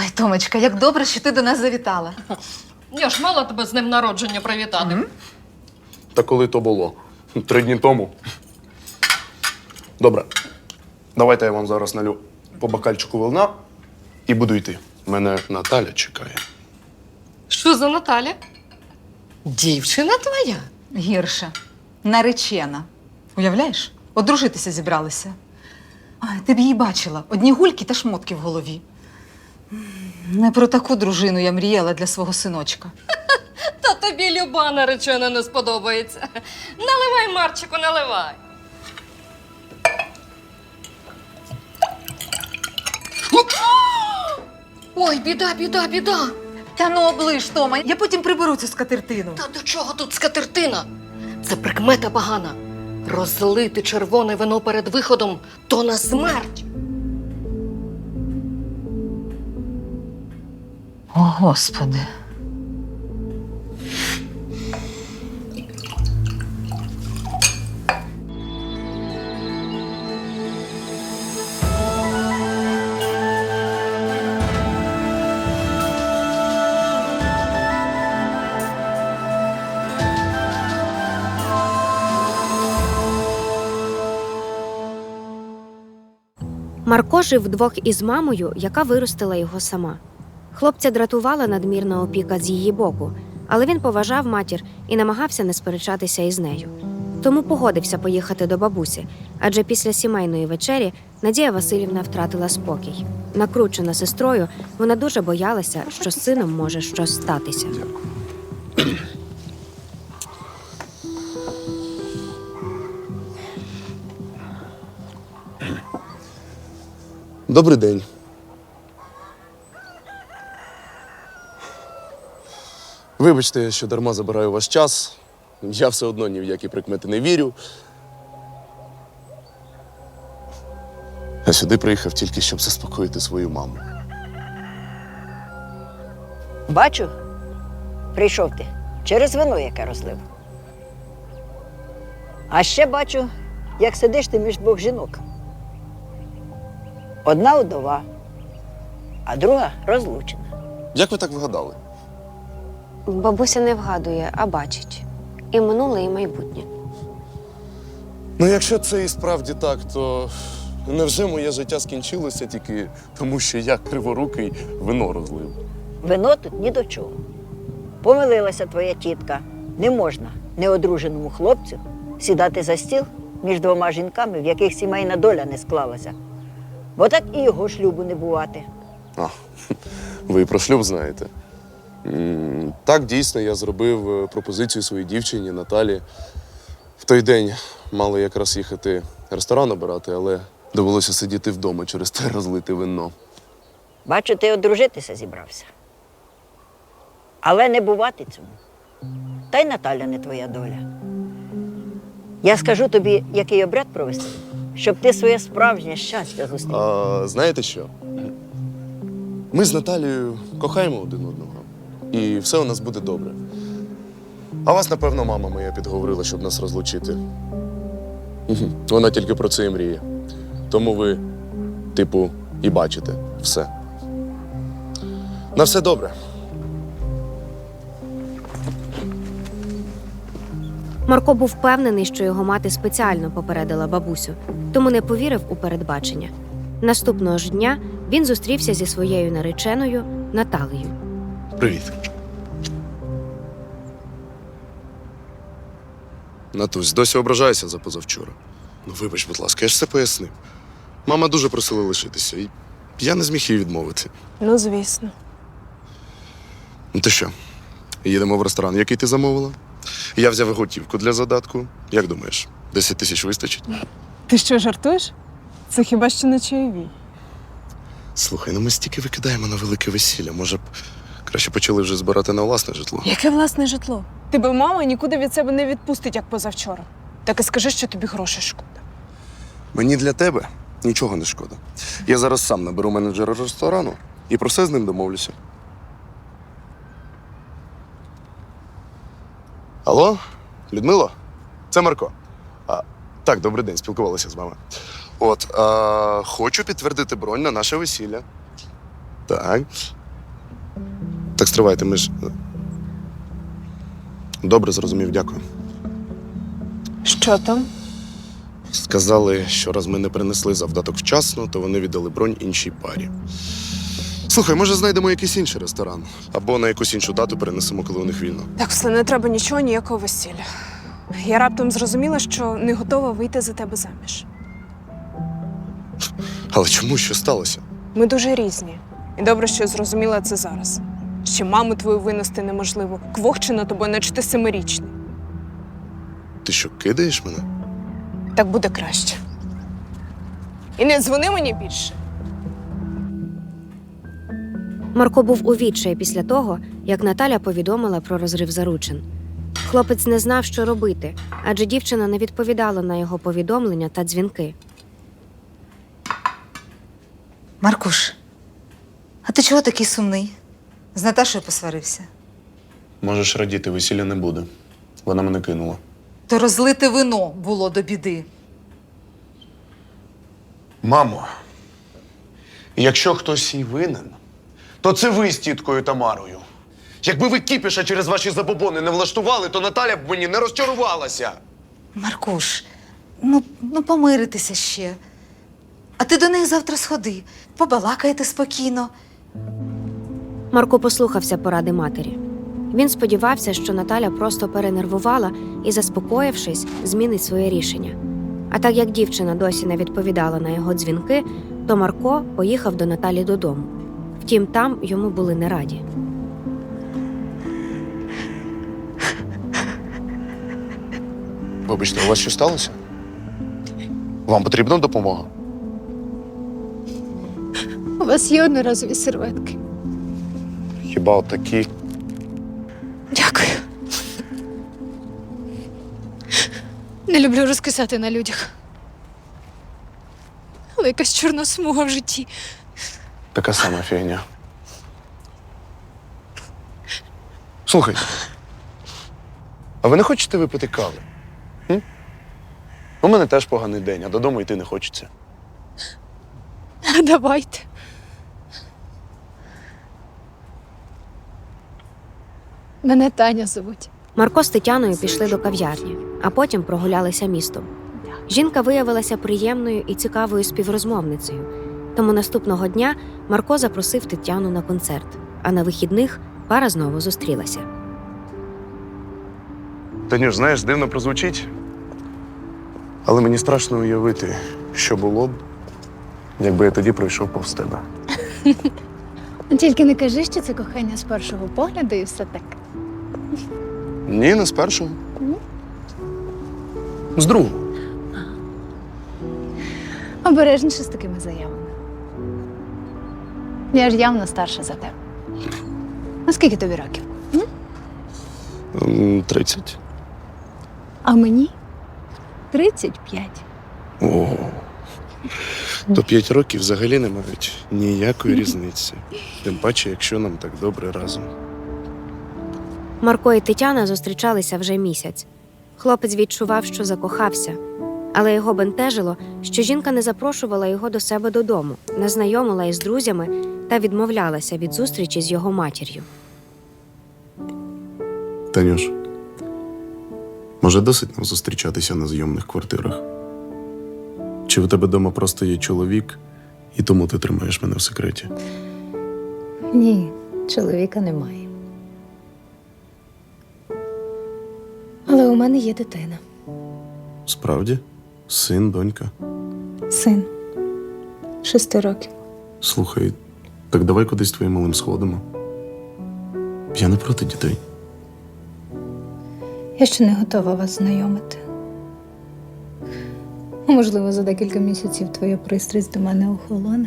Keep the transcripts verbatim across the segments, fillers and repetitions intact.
Ой, Томочка, як добре, що ти до нас завітала. Я ж мала тебе з днем народження привітати. Мгм. Та коли то було? Три дні тому. Добре. Давайте я вам зараз налю по бокальчику вина і буду йти. Мене Наталя чекає. Що за Наталя? Дівчина твоя? Гірше. Наречена. Уявляєш? Одружитися зібралися. Ай, ти б її бачила. Одні гульки та шмотки в голові. Не про таку дружину я мріяла для свого синочка. Та тобі люба наречена не сподобається. Наливай, Марчику, наливай. Ой, біда, біда, біда. Та ну оближ, Тома, я потім приберу цю скатертину. Та до чого тут скатертина? Це прикмета погана. Розлити червоне вино перед виходом – то на смерть. О, Господи. Марко жив вдвох із мамою, яка виростила його сама. Хлопця дратувала надмірна опіка з її боку, але він поважав матір і намагався не сперечатися із нею. Тому погодився поїхати до бабусі, адже після сімейної вечері Надія Василівна втратила спокій. Накручена сестрою, вона дуже боялася, що з сином може щось статися. Добрий день. Вибачте, що дарма забираю ваш час. Я все одно ні в які прикмети не вірю. А сюди приїхав тільки, щоб заспокоїти свою маму. Бачу, прийшов ти через вино, яке розлив. А ще бачу, як сидиш ти між двох жінок. Одна удова, а друга розлучена. Як ви так вгадали? Бабуся не вгадує, а бачить. І минуле, і майбутнє. Ну, якщо це і справді так, то невже моє життя скінчилося тільки тому, що я криворукий вино розлив? Вино тут ні до чого. Помилилася твоя тітка. Не можна неодруженому хлопцю сідати за стіл між двома жінками, в яких сімейна доля не склалася. Бо так і його шлюбу не бувати. А, ви і про шлюб знаєте. М, Так, дійсно, я зробив е, пропозицію своїй дівчині Наталі. В той день мали якраз їхати ресторан обирати, але довелося сидіти вдома через те розлите вино. Бачу, ти одружитися зібрався. Але не бувати цьому. Та й Наталя не твоя доля. Я скажу тобі, який обряд провести, щоб ти своє справжнє щастя зустрів. А знаєте що? Ми з Наталією кохаємо один одного. І все у нас буде добре. А вас, напевно, мама моя підговорила, щоб нас розлучити. Мгм. Вона тільки про це і мріє. Тому ви, типу, і бачите все. На все добре. Марко був впевнений, що його мати спеціально попередила бабусю, тому не повірив у передбачення. Наступного ж дня він зустрівся зі своєю нареченою Наталею. Привіт. Натусь, досі ображаюся за позавчора. Ну, вибач, будь ласка, я ж все пояснив. Мама дуже просила лишитися, і я не зміг їй відмовити. Ну, звісно. Ну ти що, їдемо в ресторан, який ти замовила? Я взяв готівку для задатку. Як думаєш, десять тисяч вистачить? Ти що, жартуєш? Це хіба що не чайові. Слухай, ну ми стільки викидаємо на велике весілля. Може б краще почали вже збирати на власне житло? Яке власне житло? Тебе мама нікуди від себе не відпустить, як позавчора. Так і скажи, що тобі грошей шкода. Мені для тебе нічого не шкода. Я зараз сам наберу менеджера ресторану і про все з ним домовлюся. Алло, Людмило? Це Марко. А, так, добрий день, спілкувалася з вами. От, а, хочу підтвердити бронь на наше весілля. Так. Так стривайте, ми ж. Добре, зрозумів, дякую. Що там? Сказали, що раз ми не принесли завдаток вчасно, то вони віддали бронь іншій парі. Слухай, може знайдемо якийсь інший ресторан? Або на якусь іншу дату перенесемо, коли у них вільно. Так, все, не треба нічого, ніякого весілля. Я раптом зрозуміла, що не готова вийти за тебе заміж. Але чому що сталося? Ми дуже різні. І добре, що я зрозуміла це зараз. Ще маму твою винести неможливо. Квохче на тобою, наче ти семирічний. Ти що, кидаєш мене? Так буде краще. І не дзвони мені більше. Марко був у відчаї після того, як Наталя повідомила про розрив заручин. Хлопець не знав, що робити, адже дівчина не відповідала на його повідомлення та дзвінки. Маркуш, а ти чого такий сумний? З Наташою посварився. Можеш радіти, весілля не буде. Вона мене кинула. То розлите вино було до біди. Мамо, якщо хтось і винен, то це ви з тіткою Тамарою. Якби ви кіпіша через ваші забобони не влаштували, то Наталя б мені не розчарувалася. Маркуш, ну, ну помиритися ще. А ти до них завтра сходи, побалакайте спокійно. Марко послухався поради матері. Він сподівався, що Наталя просто перенервувала і, заспокоївшись, змінить своє рішення. А так як дівчина досі не відповідала на його дзвінки, то Марко поїхав до Наталі додому. Втім, там йому були не раді. Вибачте, у вас що сталося? Вам потрібна допомога? У вас є одноразові серветки. Хіба от такі? Дякую. Не люблю розкисати на людях. Але якась чорна смуга в житті. Така сама фігня. Слухайте, а ви не хочете випити кави? М? У мене теж поганий день, а додому йти не хочеться. Давайте. Мене Таня звуть. Марко з Тетяною пішли до кав'ярні, а потім прогулялися містом. Жінка виявилася приємною і цікавою співрозмовницею, тому наступного дня Марко запросив Тетяну на концерт, а на вихідних пара знову зустрілася. Танюш, знаєш, дивно прозвучить, але мені страшно уявити, що було б, якби я тоді пройшов повз тебе. Тільки не кажи, що це кохання з першого погляду і все таке. Ні, не з першого. З другого. Обережніше з такими заявами. Я ж явно старша за тебе. А скільки тобі років? М, Тридцять. А мені тридцять п'ять. О, то п'ять років взагалі не мають ніякої різниці. Тим паче, якщо нам так добре разом. Марко і Тетяна зустрічалися вже місяць. Хлопець відчував, що закохався, але його бентежило, що жінка не запрошувала його до себе додому, не знайомила із друзями та відмовлялася від зустрічі з його матір'ю. Танюш, може досить нам зустрічатися на зйомних квартирах? Чи в тебе вдома просто є чоловік, і тому ти тримаєш мене в секреті? Ні, чоловіка немає. Але у мене є дитина. Справді? Син, донька? Син. Шести років. Слухай, так давай кудись твоїм малим сходимо. Я не проти дітей. Я ще не готова вас знайомити. Можливо, за декілька місяців твоя пристрасть до мене охолоне.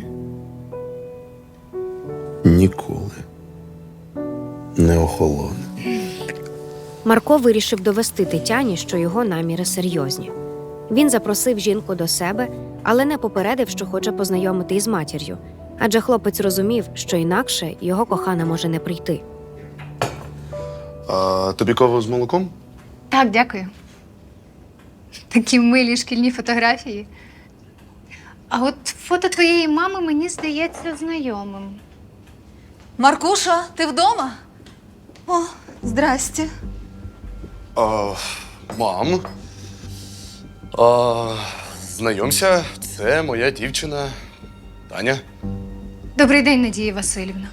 Ніколи не охолоне. Марко вирішив довести Тетяні, що його наміри серйозні. Він запросив жінку до себе, але не попередив, що хоче познайомити із матір'ю, адже хлопець розумів, що інакше його кохана може не прийти. А тобі каву з молоком? Так, дякую. Такі милі шкільні фотографії. А от фото твоєї мами мені здається знайомим. Маркуша, ти вдома? О, здрасте. А, мам. А, знайомся, це моя дівчина Таня. Добрий день, Надія Васильівна.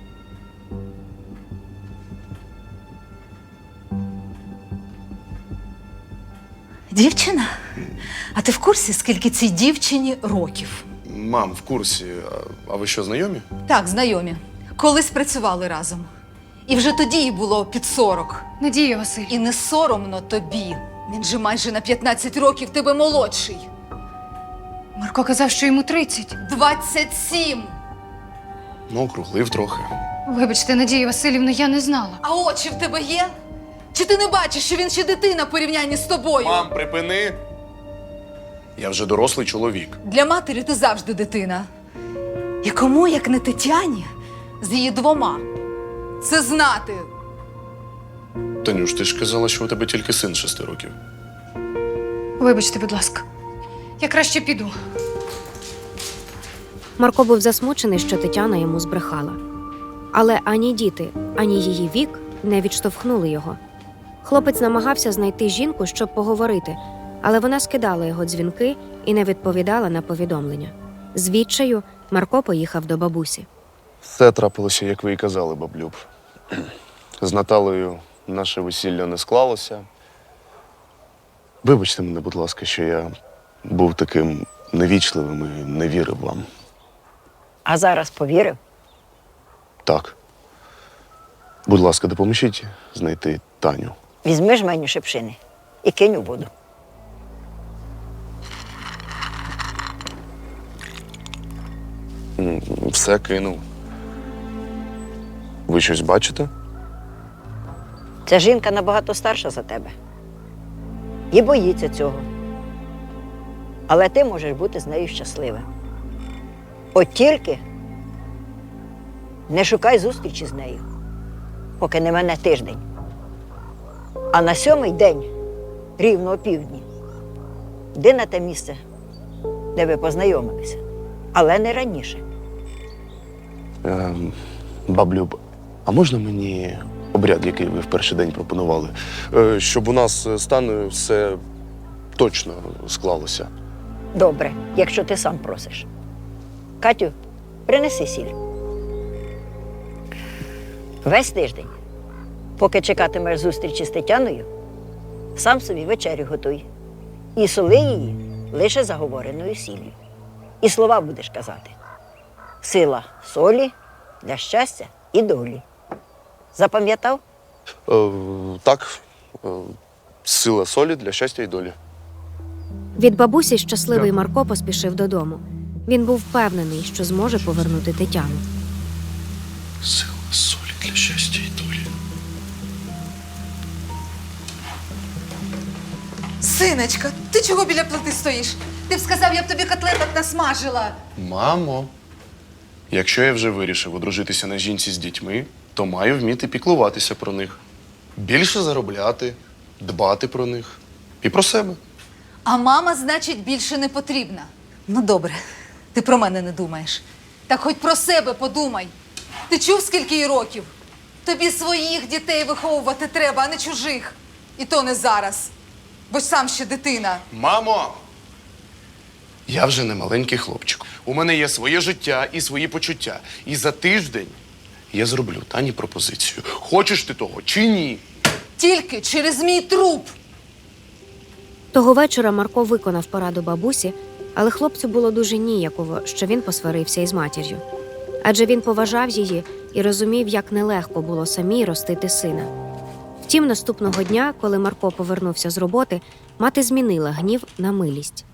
Дівчина? А ти в курсі, скільки цій дівчині років? Мам, в курсі. А, а ви що, знайомі? Так, знайомі. Колись працювали разом. І вже тоді їй було під сорок. Надія Васильівна. І не соромно тобі. Він же майже на п'ятнадцять років тебе молодший. Марко казав, що йому тридцять. двадцять сім! Ну, округлив трохи. Вибачте, Надія Васильівна, я не знала. А очі в тебе є? Чи ти не бачиш, що він ще дитина в порівнянні з тобою? Мам, припини. Я вже дорослий чоловік. Для матері ти завжди дитина. І кому, як не Тетяні, з її двома, це знати. Танюш, ти ж казала, що у тебе тільки син шести років. Вибачте, будь ласка. Я краще піду. Марко був засмучений, що Тетяна йому збрехала. Але ані діти, ані її вік не відштовхнули його. Хлопець намагався знайти жінку, щоб поговорити, але вона скидала його дзвінки і не відповідала на повідомлення. З відчаю Марко поїхав до бабусі. Все трапилося, як ви і казали, баблюб. З Наталею наше весілля не склалося. Вибачте мене, будь ласка, що я був таким невічливим і не вірив вам. А зараз повірив? Так. Будь ласка, допоможіть знайти Таню. Візьми жменю шипшини і кинь у воду. М, Все кинув. Ви щось бачите? Ця жінка набагато старша за тебе. І боїться цього. Але ти можеш бути з нею щасливим. От тільки не шукай зустрічі з нею, поки не мене тиждень. А на сьомий день, рівно о півдні, йди на те місце, де ви познайомилися, але не раніше. Ем, баблюб, а можна мені обряд, який ви в перший день пропонували? Е, щоб у нас з Танею все точно склалося. Добре, якщо ти сам просиш. Катю, принеси сіль. Весь тиждень, поки чекатимеш зустрічі з Тетяною, сам собі вечерю готуй. І соли її лише заговореною сіллю. І слова будеш казати. Сила солі для щастя і долі. Запам'ятав? Е, так, е, сила солі для щастя і долі. Від бабусі щасливий Марко поспішив додому. Він був впевнений, що зможе повернути Тетяну. Сила солі для щастя і долі. Синочка, ти чого біля плити стоїш? Ти б сказав, я б тобі котлеток насмажила. Мамо, якщо я вже вирішив одружитися на жінці з дітьми, то маю вміти піклуватися про них. Більше заробляти, дбати про них і про себе. А мама, значить, більше не потрібна. Ну, добре, ти про мене не думаєш. Так хоч про себе подумай. Ти чув, скільки їй років? Тобі своїх дітей виховувати треба, а не чужих. І то не зараз. Бо ж сам ще дитина. Мамо! Я вже не маленький хлопчик. У мене є своє життя і свої почуття. І за тиждень я зроблю Тані пропозицію. Хочеш ти того чи ні? Тільки через мій труп. Того вечора Марко виконав пораду бабусі, але хлопцю було дуже ніяково, що він посварився із матір'ю. Адже він поважав її і розумів, як нелегко було самій ростити сина. Втім, наступного дня, коли Марко повернувся з роботи, мати змінила гнів на милість.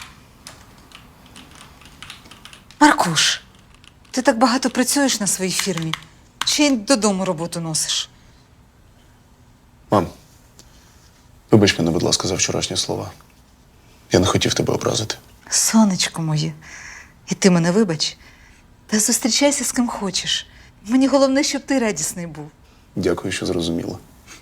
Маркуш, ти так багато працюєш на своїй фірмі. Чи й додому роботу носиш? Мам, вибач мене, будь ласка, за вчорашні слова. Я не хотів тебе образити. Сонечко моє, і ти мене вибач. Та зустрічайся з ким хочеш. Мені головне, щоб ти радісний був. Дякую, що зрозуміла.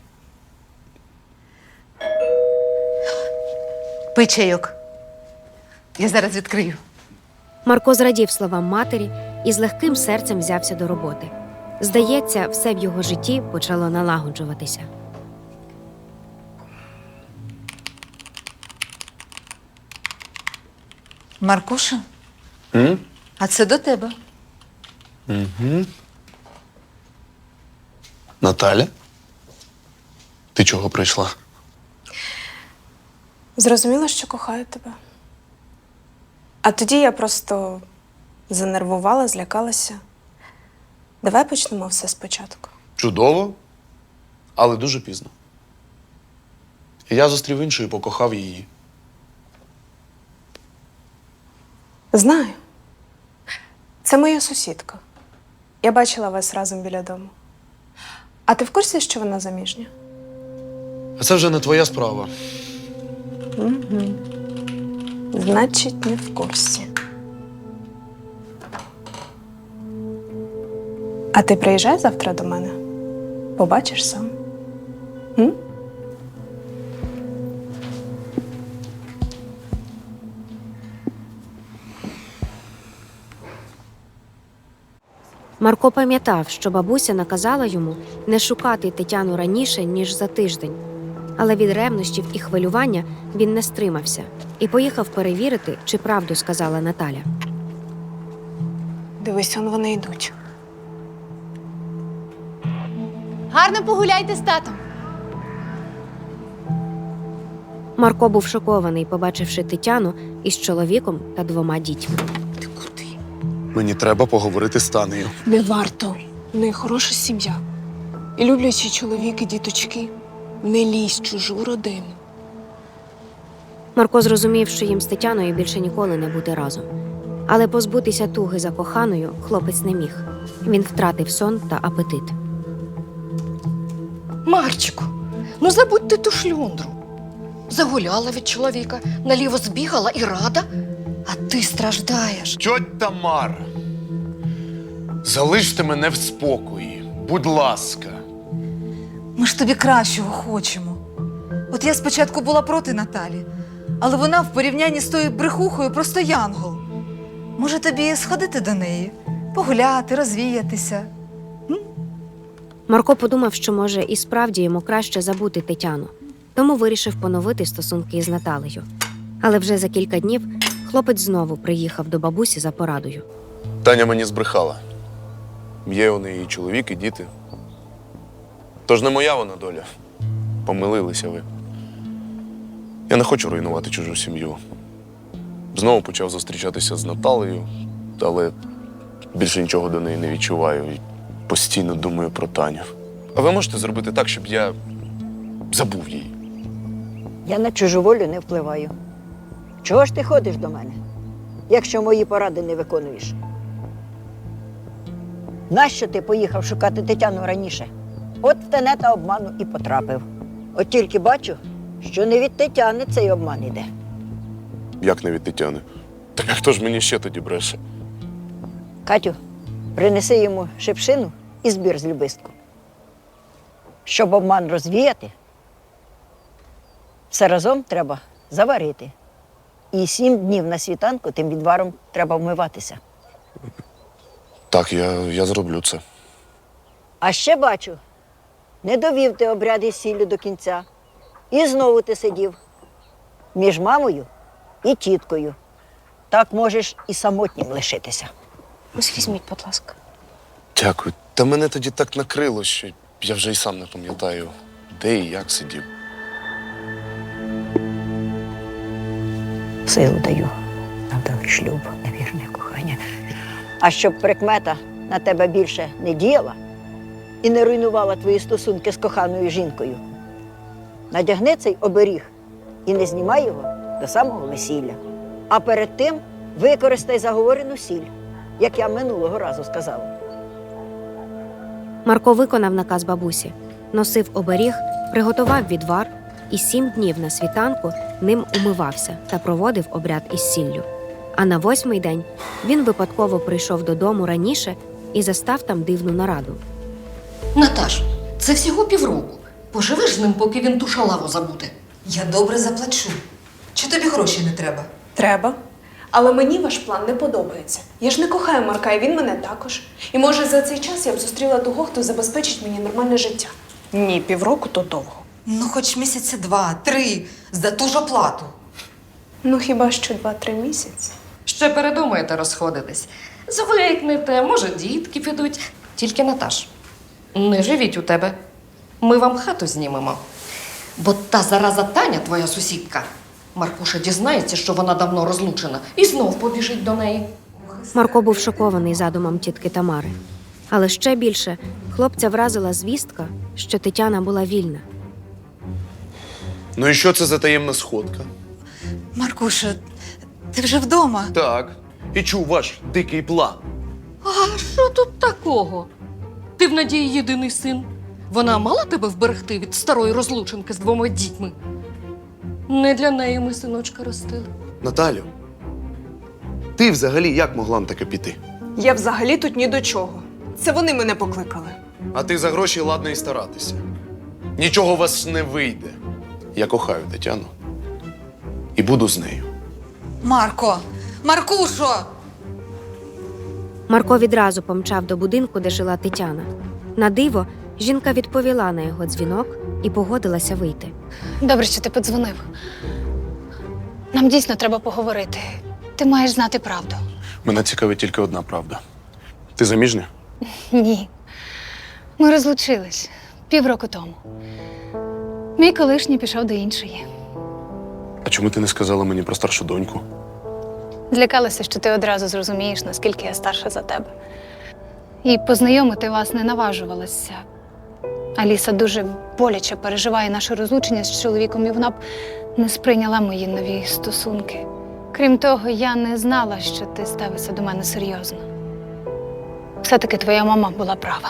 Пий чайок. Я зараз відкрию. Марко зрадів словам матері і з легким серцем взявся до роботи. Здається, все в його житті почало налагоджуватися. Маркуша, М? а це до тебе. Угу. Наталя? Ти чого прийшла? Зрозуміла, що кохаю тебе. А тоді я просто занервувала, злякалася. Давай почнемо все спочатку. Чудово, але дуже пізно. Я зустрів іншу і покохав її. Знаю. Це моя сусідка. Я бачила вас разом біля дому. А ти в курсі, що вона заміжня? А це вже не твоя справа. Угу. Значить, не в курсі. А ти приїжджай завтра до мене. Побачиш сам. М? Марко пам'ятав, що бабуся наказала йому не шукати Тетяну раніше, ніж за тиждень. Але від ревнощів і хвилювання він не стримався і поїхав перевірити, чи правду сказала Наталя. Дивись, он вони йдуть. Гарно погуляйте з татом. Марко був шокований, побачивши Тетяну із чоловіком та двома дітьми. Ти куди? Мені треба поговорити з Танею. Не варто. В неї хороша сім'я. І люблячі чоловік і діточки. Не лізь в чужу родину. Марко зрозумів, що їм з Тетяною більше ніколи не бути разом. Але позбутися туги за коханою хлопець не міг. Він втратив сон та апетит. Марчику, ну забудь ти ту шльондру. Загуляла від чоловіка, наліво збігала і рада, а ти страждаєш. Тьоть Тамара, залиште мене в спокої, будь ласка. Ми ж тобі кращого хочемо. От я спочатку була проти Наталі, але вона в порівнянні з тою брехухою просто янгол. Може, тобі сходити до неї, погуляти, розвіятися? Марко подумав, що, може, і справді йому краще забути Тетяну, тому вирішив поновити стосунки із Наталею. Але вже за кілька днів хлопець знову приїхав до бабусі за порадою. Таня мені збрехала. Є у неї і чоловік, і діти. Тож не моя вона доля. Помилилися ви. Я не хочу руйнувати чужу сім'ю. Знову почав зустрічатися з Наталею, але більше нічого до неї не відчуваю і постійно думаю про Таню. А ви можете зробити так, щоб я забув її? Я на чужу волю не впливаю. Чого ж ти ходиш до мене, якщо мої поради не виконуєш? Нащо ти поїхав шукати Тетяну раніше? От в тенета обману і потрапив. От тільки бачу, що не від Тетяни цей обман іде. Як не від Тетяни? Так а хто ж мені ще тоді бреше? Катю, принеси йому шипшину і збір з любистку. Щоб обман розвіяти, все разом треба заварити. І сім днів на світанку тим відваром треба вмиватися. Так, я, я зроблю це. А ще бачу, не довів ти обряд із сіллю до кінця. І знову ти сидів між мамою і тіткою. Так можеш і самотнім лишитися. Ось візьміть, будь ласка. Дякую. Та мене тоді так накрило, що я вже й сам не пам'ятаю, де і як сидів. Силу даю на вдалий шлюб, на вірне кохання. А щоб прикмета на тебе більше не діяла і не руйнувала твої стосунки з коханою жінкою, надягни цей оберіг і не знімай його до самого весілля. А перед тим використай заговорену сіль, як я минулого разу сказала. Марко виконав наказ бабусі, носив оберіг, приготував відвар і сім днів на світанку ним умивався та проводив обряд із сіллю. А на восьмий день він випадково прийшов додому раніше і застав там дивну нараду. Наташ, це всього півроку. Поживеш з ним, поки він ту шалаву забуде. Я добре заплачу. Чи тобі гроші не треба? Треба. Але мені ваш план не подобається. Я ж не кохаю Марка, і він мене також. І може за цей час я б зустріла того, хто забезпечить мені нормальне життя. Ні, півроку то довго. Ну, хоч місяці два, три, за ту ж оплату. Ну хіба що два-три місяці. Ще передумаєте розходитись. Звикнете, може, дітки підуть. Тільки Наташ, не живіть у тебе. Ми вам хату знімемо. Бо та зараза Таня, твоя сусідка, Маркуша дізнається, що вона давно розлучена, і знов побіжить до неї. Марко був шокований задумом тітки Тамари. Але ще більше хлопця вразила звістка, що Тетяна була вільна. Ну і що це за таємна сходка? Маркуша, ти вже вдома? Так. І чув ваш дикий план. А що тут такого? Ти в Надії єдиний син. Вона мала тебе вберегти від старої розлученки з двома дітьми. Не для неї ми синочка ростили. Наталю, ти взагалі як могла на таке піти? Я взагалі тут ні до чого. Це вони мене покликали. А ти за гроші ладна і старатися. Нічого у вас не вийде. Я кохаю Тетяну. І буду з нею. Марко! Маркушо! Марко відразу помчав до будинку, де жила Тетяна. На диво, жінка відповіла на його дзвінок і погодилася вийти. Добре, що ти подзвонив. Нам дійсно треба поговорити. Ти маєш знати правду. Мене цікавить тільки одна правда. Ти заміжня? Ні. Ми розлучились півроку тому. Мій колишній пішов до іншої. А чому ти не сказала мені про старшу доньку? Злякалася, що ти одразу зрозумієш, наскільки я старша за тебе. І познайомити вас не наважувалася. Аліса дуже боляче переживає наше розлучення з чоловіком, і вона б не сприйняла мої нові стосунки. Крім того, я не знала, що ти ставишся до мене серйозно. Все-таки твоя мама була права.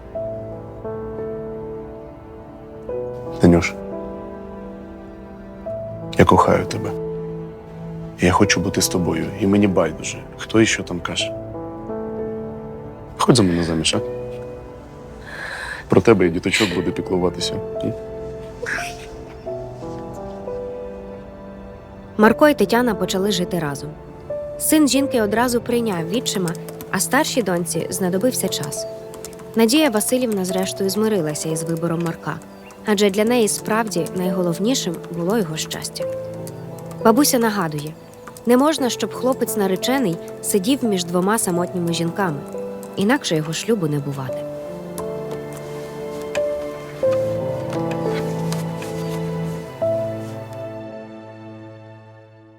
Танюш, я кохаю тебе. Я хочу бути з тобою, і мені байдуже, хто і що там каже. Ходь за мене заміж, а? Про тебе і діточок буде піклуватися. М? Марко і Тетяна почали жити разом. Син жінки одразу прийняв відчима, а старшій доньці знадобився час. Надія Василівна зрештою змирилася із вибором Марка, адже для неї справді найголовнішим було його щастя. Бабуся нагадує, не можна, щоб хлопець наречений сидів між двома самотніми жінками, інакше його шлюбу не бувати.